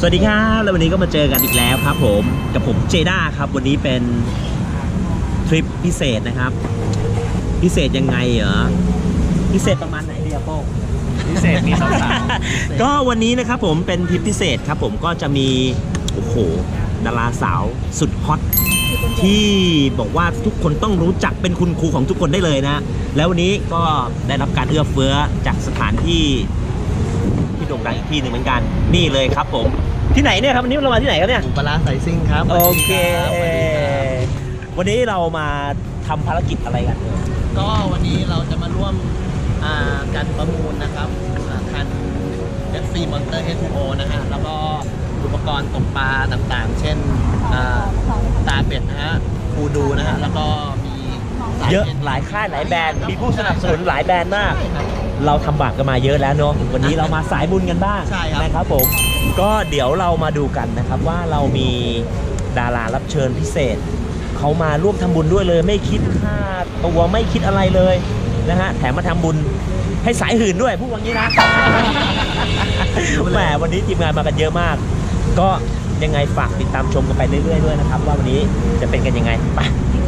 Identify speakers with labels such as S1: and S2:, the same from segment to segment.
S1: วัสดีครับแล้ววันนี้ก็มาเจอกันอีกแล้วครับผมกับผมเจด้าครับวันนี้เป็นทริปพิเศษนะครับพิเศษยังไงเหรอพิเศษประมาณไหนดีอะโป้
S2: พิเศษมีสาว
S1: ก็วันนี้นะครับผมเป็นทริปพิเศษครับผมก็จะมีโอ้โหดาราสาวสุดฮอตที่บอกว่าทุกคนต้องรู้จักเป็นคุณครูของทุกคนได้เลยนะแล้ววันนี้ก็ได้รับการเอื้อเฟื้อจากสถานที่โด่งดังอีกที่หนึ่งเหมือนกันนี่เลยครับผมที่ไหนเนี่ยครับวันนี้เรามาที่ไหนครับเนี่ย
S2: ปลาสายซิ่งครับ
S1: โอเควันนี้เรามาทำภารกิจอะไรกัน
S2: ก็วันนี้เราจะมาร่วมการประมูลนะครับคัน FC Monster H2O นะฮะแล้วก็อุปกรณ์ตกปลาต่างๆเช่นตาเป็ดนะฮะคูดูนะฮะแล้วก็มี
S1: เยอะหลายค่ายหลายแบรนด์มีผู้สนับสนุนหลายแบรนด์มากเราทำบาปกันมาเยอะแล้วเนาะวันนี้เรามาสายบุญกันบ้างนะครับผมก็เดี๋ยวเรามาดูกันนะครับว่าเรามีดารารับเชิญพิเศษเขามาร่วมทำบุญด้วยเลยไม่คิดค่าตัวไม่คิดอะไรเลยนะฮะแถมมาทำบุญให้สายหื่นด้วยพูดอย่างนี้นะแหมวันนี้ทีมงานมากันเยอะมากก็ยังไงฝากติดตามชมกันไปเรื่อยๆด้วยนะครับว่าวันนี้จะเป็นกันยังไงไป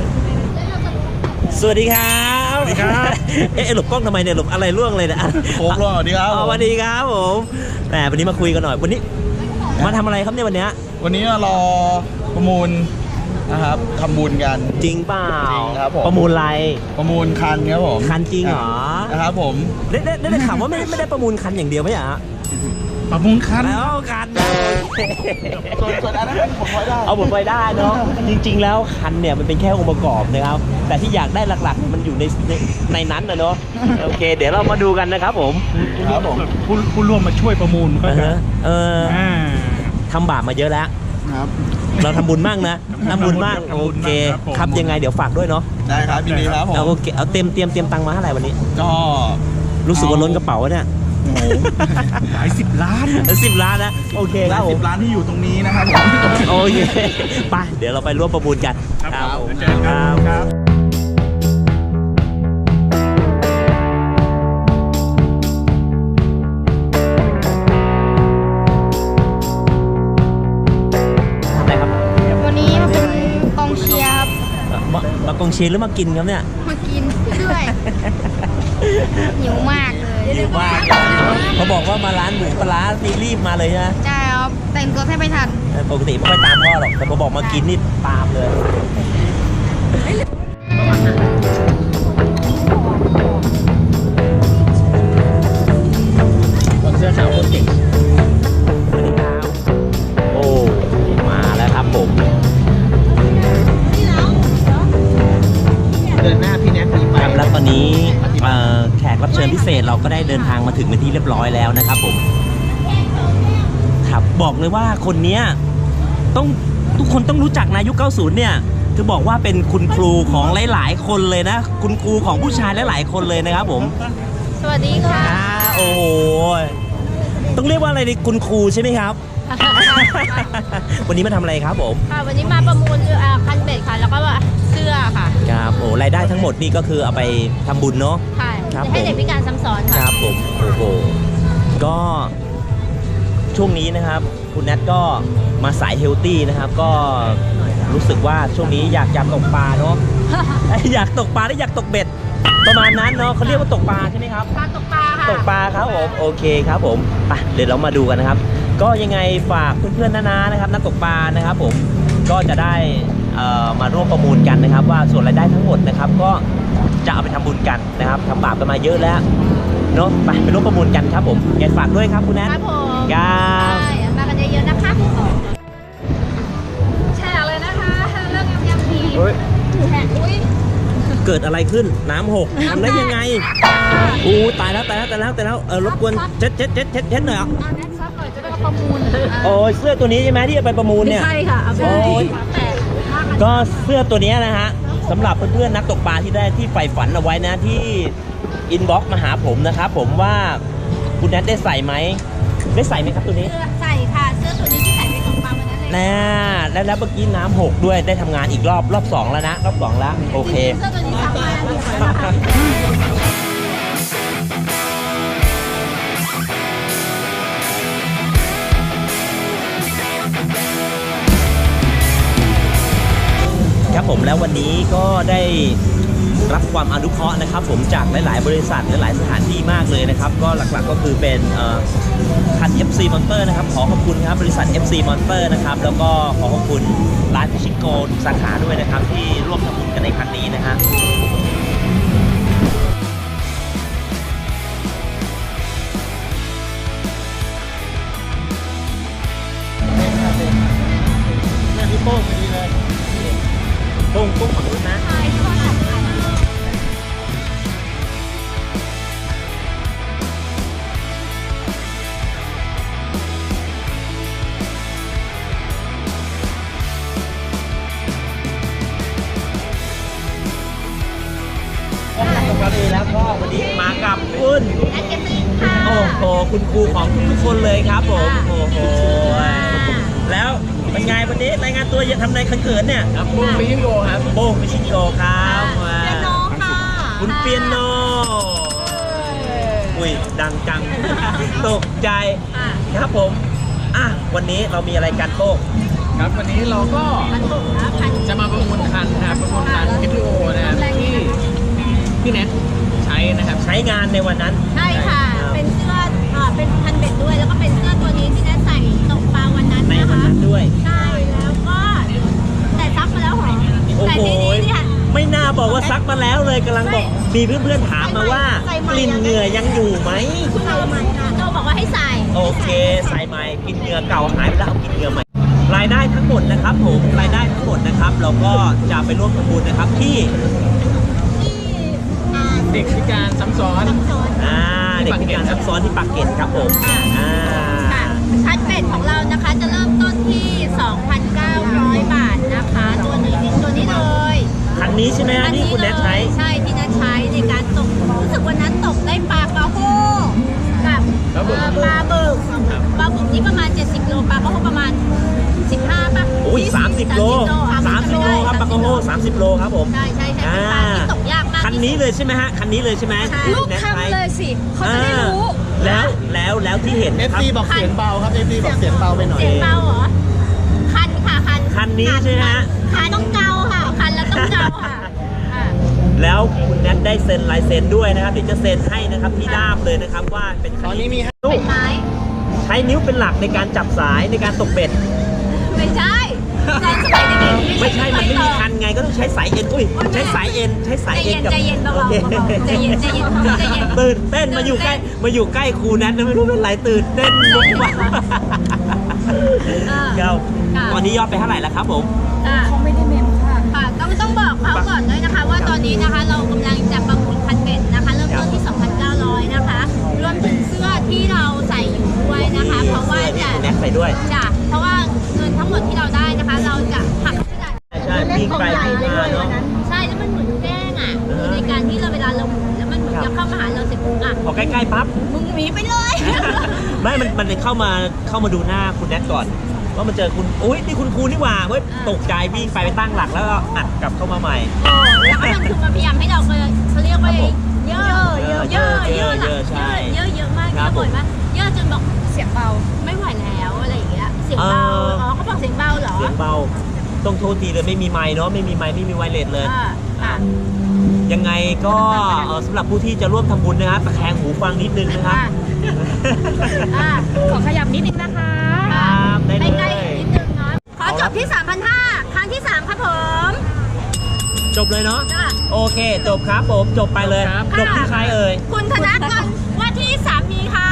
S1: สวัสดีครับ
S2: สวัสดีครับ
S1: หลบกล้องทำไมเนี่ยหลบอะไรล่วงเลยนะ
S2: โค้งล่วงสวัสดีครับ
S1: สวัสดีครับผมแหมวันนี้มาคุยกันหน่อยวันนี้มาทำอะไรครับเนี่ยวันนี้
S2: รอประมูลนะครับทำบุญกัน
S1: จริงเปล่า
S2: จริงครับผม
S1: ประมูลอะไร
S2: ประมูลคันครับผม
S1: คันจริงเหรอ
S2: นะครับผม
S1: ได้ข่าวว่าไม่ได้ประมูลคันอย่างเดียวไหมฮะ
S2: ประมูลคัน
S1: แล้วคัน
S2: ส่วนอันนั้นเป็นผลพลอยได้
S1: เอาผลพลอยได้เนาะจริงๆแล้วคันเนี่ยมันเป็นแค่องค์ประกอบนะครับแต่ที่อยากได้หลักๆมันอยู่ในนั้นนะเนาะโอเคเดี๋ยวเรามาดูกันนะครับผม
S2: ครับผม
S3: ผู้ร่วมมาช่วยประมูลก็
S1: ทำบาปมาเยอะแล้วเราทำบุญมากนะทำบุญมากโอเคครับยังไงเดี๋ยวฝากด้วยเนาะ
S2: ได้ครับยินดีครับผม
S1: โอเคเอาเตรียมตังค์มาเท่าไหร่วันนี้
S2: ก็
S1: รู้สึกว่าล้นกระเป๋าเนี่ย
S3: หลาย10 ล้าน
S1: 10 ล้านนะโอเคครับผม
S2: 10 ล้านที่อยู่ตรงนี้นะครับผม
S1: โอเคไปเดี๋ยวเราไปร่วมประมูลกัน
S3: ครับเจอกันครับ
S1: มากองเชียร์หรือมากินครับเนี่ย
S4: มากินด้วยหิวมากเลย
S1: หิวมากเขาบอกว่ามาร้านหมูปลารีบมาเลยนะ
S4: ใช่ครับแต่งตัวแทบไม่ทัน
S1: ปกติไม่ค่อยตามพ่อหรอกแต่พอบอกมากินนี่ตามเลยเสื้อขาวคนเก่งสวัสดีครับโอ้มาแล้วครับผม
S2: เดินหน้าพี่แนทมีไป
S1: ครับแล้วตอนนี้แขกรับเชิญพิเศษเราก็ได้เดินทางมาถึงเป็นที่เรียบร้อยแล้วนะครับผมครับบอกเลยว่าคนนี้ต้องทุกคนต้องรู้จักนะยุค 90 เนี่ยคือบอกว่าเป็นคุณครูของหลายๆคนเลยนะคุณครูของผู้ชายหลายๆคนเลยนะครับผม
S4: สวัสดีค่ะ
S1: โอ้โหต้องเรียกว่าอะไรดีคุณครูใช่ไหมครับ วันนี้มาทำอะไรครับผม
S4: ค่ะวันนี้มาประมูลคันเบ็ดค่ะแล้วก็เสื้อค่ะ
S1: ครับโอ้รายได้ทั้งหมดนี่ก็คือเอาไปทำบุญเนาะ
S4: ค่ะให้เด็กพิการซ้ำซ้อนค่ะ
S1: ครับผมโอ้โหก็ช่วงนี้นะครับคุณแนทก็มาสายเฮลตี้นะครับก็รู้สึกว่าช่วงนี้อยากตกปลาเนาะ อยากตกปลาและอยากตกเบ็ดประมาณนั้นเนาะเขาเรียกว่าตกปลาใช่ไหมครับ
S4: ตกปลาค่ะ
S1: ตกปลาครับผมโอเคครับผมไปเดี๋ยวเรามาดูกันนะครับก็ยังไงฝากเพื่อนๆน้าๆนะครับนักตกปลานะครับผมก็จะได้มาร่วมประมูลกันนะครับว่าส่วนรายได้ทั้งหมดนะครับก็จะเอาไปทำบุญกันนะครับทำบาปกันมาเยอะแล้วเนาะไปร่วมประมูลกันครับผมอยากฝากด้วยครับคุณแนท
S4: ครับผม
S1: ครับ
S4: มากันเยอะๆนะคะแชร์เลยนะคะเรื่องยำดีแชร์
S1: เกิดอะไรขึ้นน้ำหกทำได้ยังไงตายแล้วรบกวนเช็ดหน่อย
S4: ประมูล
S1: โอ้ยเสื้อตัวนี้ใช่ไหมที่จะไปประมูลเนี่ย
S4: ใช่ค่ะ
S1: โอ้ยก็เสื้อตัวนี้นะฮะสำหรับเพื่อนๆนักตกปลาที่ใฝ่ฝันเอาไว้นะที่อินบ็อกซ์มาหาผมนะครับผมว่าคุณแนทได้ใส่ไหมครับตัวนี้
S4: ใส่ค่ะเสื้อตัวนี้ที่ใส่ไปตกปลาวันนั้น
S1: เลยแล้วเมื่อกี้น้ำหกด้วยได้ทำงานอีกรอบ2แล้วนะรอบ2แล้วโอเค
S4: เสื้อตัวนี้ทำงาน
S1: ครับผมแล้ววันนี้ก็ได้รับความอนุเคราะห์นะครับผมจากหลาย ๆ บริษัทหลาย ๆ สถานที่มากเลยนะครับก็หลัก ๆ ก็คือเป็นคัน FC Monster นะครับขอขอบคุณครับบริษัท FC Monster นะครับแล้วก็ขอขอบคุณร้านพิชิโกสาขาด้วยนะครับที่ร่วมทำบุญกันในครั้งนี้นะฮะเนี่ยพี่โป้งพอดีเลยโป้งฝั่งนู้นนะ วันนี้แล้วก็วันนี้มากับคุณ
S4: นักเก็ตติ้งค่ะ
S1: โอ้โหคุณครูของทุกๆคนเลยครับผมโอ้โหแล้วเป็นไงวันนี้รายงานตัวอย่าทำในเขินๆเนี่ย
S2: ครับปุ้งฟิชิโกครับ
S1: โป้งพิชิโกครับ
S4: เปียโนค่ะ
S1: คุณเปียโนอุ้ยดังจังตกใจครับผมวันนี้เรามีอะไรกันโป้ง
S2: ครับวันนี้เราก็
S4: มันถูกนะพัน
S2: จะมาประมูลคันนะครับประมูลคัน HTO นะครับที่พี่แนทใช้นะครับ
S1: ใช้งานในวันนั้น
S4: ใช่ค่ะ เป็นเสื้อเป็นพันเบ็ดด้วย แล้วก็เป็นเสื้อตัวนี้ที่แนทใส่ตกปลาวันนั้น
S1: ใน
S4: นะ
S1: วัน
S4: คะ
S1: นั้นด้วย
S4: ใช่ แล้วก็แต่ซักมาแล้วเหรอ
S1: โอ้
S4: แต่
S1: โห
S4: ทีนี้เนี่ย
S1: ไม่น่าบอกว่าซักมาแล้วเลยกำลังบอกมีเพื่อนๆถามมาว่ากลิ่นเหงื่อยังอยู่ไหม
S4: คุณโจบอกว่าให้ใส่
S1: โอเคใส่ใหม่กลิ่นเหงื่อเก่าหายไปแล้วเอากลิ่นเหงื่อใหม่รายได้ทั้งหมดนะครับผมรายได้ทั้งหมดนะครับเราก็จะไปร่วมทำบุญนะครับที่
S4: ที่
S2: เด็กพิการซ้ำซ้อน
S4: ซับซ้อน
S1: เด็กพิการซับซ้อนที่ปากเกร็ดครับผม
S4: ค่ะคันเบ็ดของเรานะคะจะเริ่มต้นที่ 2,900 บาทนะคะ ตัวนี้เลย
S1: คันนี้ใช่ไหมฮะที่คุณแนทใช้
S4: ใช่ที่แนทใช้ในการตกรู้สึกวันนั้นตกได้ปลากระโฮกับปลาบึกนี่ประมาณ70โลปลากระโฮประมาณ15ป่ะ
S1: โอ้ย30 โล 30 โลครับปากโกโฮ30 โลครับผม
S4: ใช่เป็นปลาที่ตกยากมาก
S1: คันนี้เลยใช่ไหมฮะคันนี้เลยใช่ไหม
S4: ลูกทำเลยสิเขาจะได้รู้
S1: แล้วที่เห็นนะครับ
S2: FC บอกเสียงเบาครับ FC บอกเสียงเบาไปหน่อย
S4: เสียงเบาเหรอคันค่ะคัน
S1: คันนี้ใช่ไหมฮะ
S4: คันต้องเกาค่ะคันแล้วต้องเกาค่ะ
S1: แล้วคุณแนทได้เซ็นลายเซ็นด้วยนะครับเดี๋ยวจะเซ็นให้นะครับที่ด้ามเลยนะครับว่าเป็น
S2: ตอนนี้มี
S4: เป็นไม้
S1: ใช้นิ้วเป็นหลักในการจับสายในการตกเบ็ด
S4: ไม่ใช่ตอนสมัยเด็กๆ
S1: ไม่ใช่มันไม่มีคันไงก็ต้องใช้สายเอ็นอุ้ยใช้สายเอ็นกับ
S4: ใจเย็นเบา
S1: โอเค
S4: ๆใจเย็น
S1: ตื่นเต้นมาอยู่ใกล้ครูแนทนะไม่รู้เป็นไรตื่นเต้นมุกว่ะครับตอนนี้ยอดไปเท่าไหร่แล้วครับผม
S4: เขาไม่ได้เมมค่ะต้องบอกเขาก่อนด้วยนะคะว่าตอนนี้นะคะเรากำลังจะประมูลคันเบ็ดนะคะเริ่มต้นที่ 2,900 นะคะรวมถึงเสื้อที่เราใส่อยู่ด้วยนะคะ เพราะว่าจะ
S1: แนทใส่ด้วย
S4: เพราะว่าเงินทั้งหมดที่เราได้นะคะ เราจะหัก
S1: ใช่วิ่งไปวิ่งมาเนาะ
S4: ใช่แล้วมันเหมือนแกล้งอ่ะคือในการที่เราเวลาเราหมุนแล้วมันเหมือนจะเข้ามาหาเราเสร็จปุ๊บอ่ะ
S1: พอใกล้ๆปั๊บ
S4: มึงหนีไปเลย
S1: ไม่มันเข้ามาดูหน้าคุณแนทก่อนว่ามันเจอคุณอุ้ยนี่คุณครูนี่หว่าเว้ยตกใจวิ่งไปตั้งหลักแล้วก็อัดกลับเข้ามาใหม่
S4: แล้วก็ยังคือมาพยายามให้เราเขาเรียกว่าเยอะมากเยอะบ่อยมากเยอะจนบอกเสียงเบาไม่ไหวแล้วอะไรอย่างเงี้ยเสียงเบาเขาบอกเสียงเบาเหรอ
S1: เสียงเบาต้องโทษทีเลยไม่มีไมค์เนาะไม่มีไมค์ไม่มีไวเลสเลยยังไงก็สำหรับผู้ที่จะร่วมทำบุญนะครับตะแคงหูฟังนิดนึงนะครับ
S4: ขอขยับนิดนึงนะคะ
S1: ครับได้เลย
S4: ใกล้ๆนิดนึงเนาะขอจบที่ 3,500 ครั้งที่ 3 ครับผม
S1: จบเลยเนาะ
S4: จ้ะ
S1: โอเคจบครับผมจบไปเลย
S2: ครับ
S1: จบที่ใครเอ่ย
S4: คุณธนกรว่าที่สามีค่ะ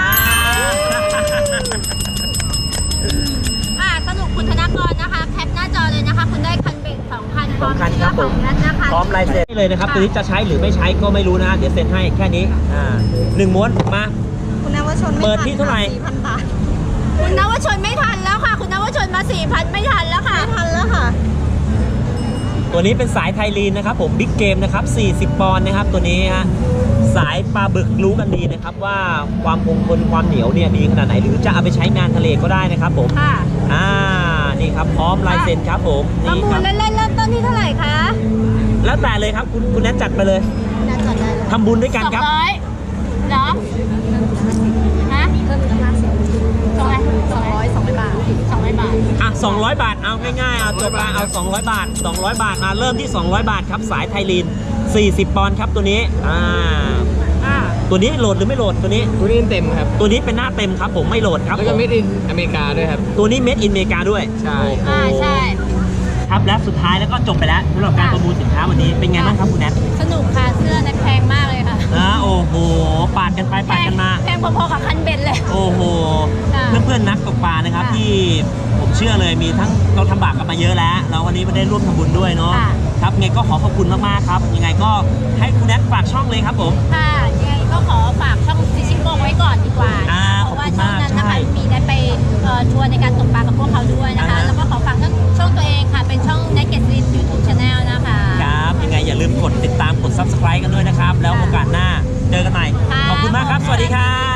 S4: สรุปคุณธนกรนะคะแคปหน้าจอเลยนะคะ คุณได้คันเบ็ด2,000พร้อม
S1: 2,000
S4: เสื้อของนัทนะคะ
S1: พร้อมลายเซ็นเลยนะครับตัวนี้จะใช้หรือไม่ใช้ก็ไม่รู้นะเดี๋ยวเซ็นให้แค่นี้1 ม้วนมา
S4: คุณนวชน
S1: เปิดที่เท่าไหร่
S4: 4,000 บาทคุณนวชนไม่ทันแล้วค่ะ คุณนวชนมา 4,000 ไม่ทันแล้วค่ะไม่ทันแล้วค่ะ
S1: ตัวนี้เป็นสายไทลีนนะครับผมบิ๊กเกมนะครับ40 ปอนด์นะครับตัวนี้ฮะสายปลาบึกรู้กันดีนะครับว่าความคงทนความเหนียวเนี่ยดีขนาดไหนหรือจะเอาไปใช้งานทะเลก็ได้นะครับผม
S4: ค่ะ
S1: นี่ครับพร้อมลายเซ็นครับผม
S4: ประ
S1: นี่
S4: มู
S1: ค
S4: ล
S1: รับ
S4: เล่นๆเริ่มต้นที่เท่าไหร่คะ
S1: แล้วแต่เลยครับคุณแนทจัดไปเลย
S4: นัดจดได้เลย
S1: ทำบุญด้วยกันครับ
S4: 200เหรอฮะเพิ่มอีก200 200 บาท200 บาท
S1: อ่ะ200 บาทเอาง่ายๆเอาจบมาเอา200 บาท200 บาทมาเริ่มที่200 บาทครับสายไทยลีน40 ปอนด์ครับตัวนี้ตัวนี้โหลดหรือไม่โหลดตัวนี้
S2: ตัวนี้เต็มครับ
S1: ตัวนี้เป็นหน้าเต็มครับผมไม่โหลดครับ
S2: แล้วก็เมดอินอเมริกาด้วยครับ
S1: ตัวนี้เมดอินอเมริกาด้วย
S2: ใช่
S4: ใช่
S1: ครับและสุดท้ายแล้วก็จบไปแล้วสำหรับการประมูลสินค้าวันนี้เป็นไงบ้างครับคุณแนท
S4: สนุกค่ะเสื้อแพงมากเลยค่ะ
S1: โอ้โหปาดกันไปปาดกันมา
S4: แพงพอๆกับคันเบ็ดเลย
S1: โอ้โห
S4: ค่ะ
S1: เพื่อนๆนักตกปลานะครับ
S4: ค่ะ
S1: ที่ผมเชื่อเลยมีทั้งเราทำบาปกันมาเยอะแล้วแล้ววันนี้มาได้ร่วมทำบุญด้วยเนาะ
S4: ค่ะ
S1: ครับไงก็ขอขอบคุณมากๆครับยังไงก็ให้คุณแนทฝากช่องเลยครับผม
S4: ค่ะยังไงก็ขอฝากช่องฟิชชิ่งโลกไว้ก่อนดีกว่านะคะเพราะว่าช่องนั้นนะคะมีได้ไปทัวร์ในการตกปลากับพวกเขาด้วยนะคะ แล้วก็ขอฝากช่องตัวเองค่ะเป็นช่อง Naked Lin YouTube Channel นะคะ
S1: ครับยังไงอย่าลืมกดติดตามกด Subscribe กันด้วยนะครับ แล้วโอกาสหน้าเจอกันใหม่
S4: ค่ะ
S1: ขอบคุณมากครับ สวัสดีครับ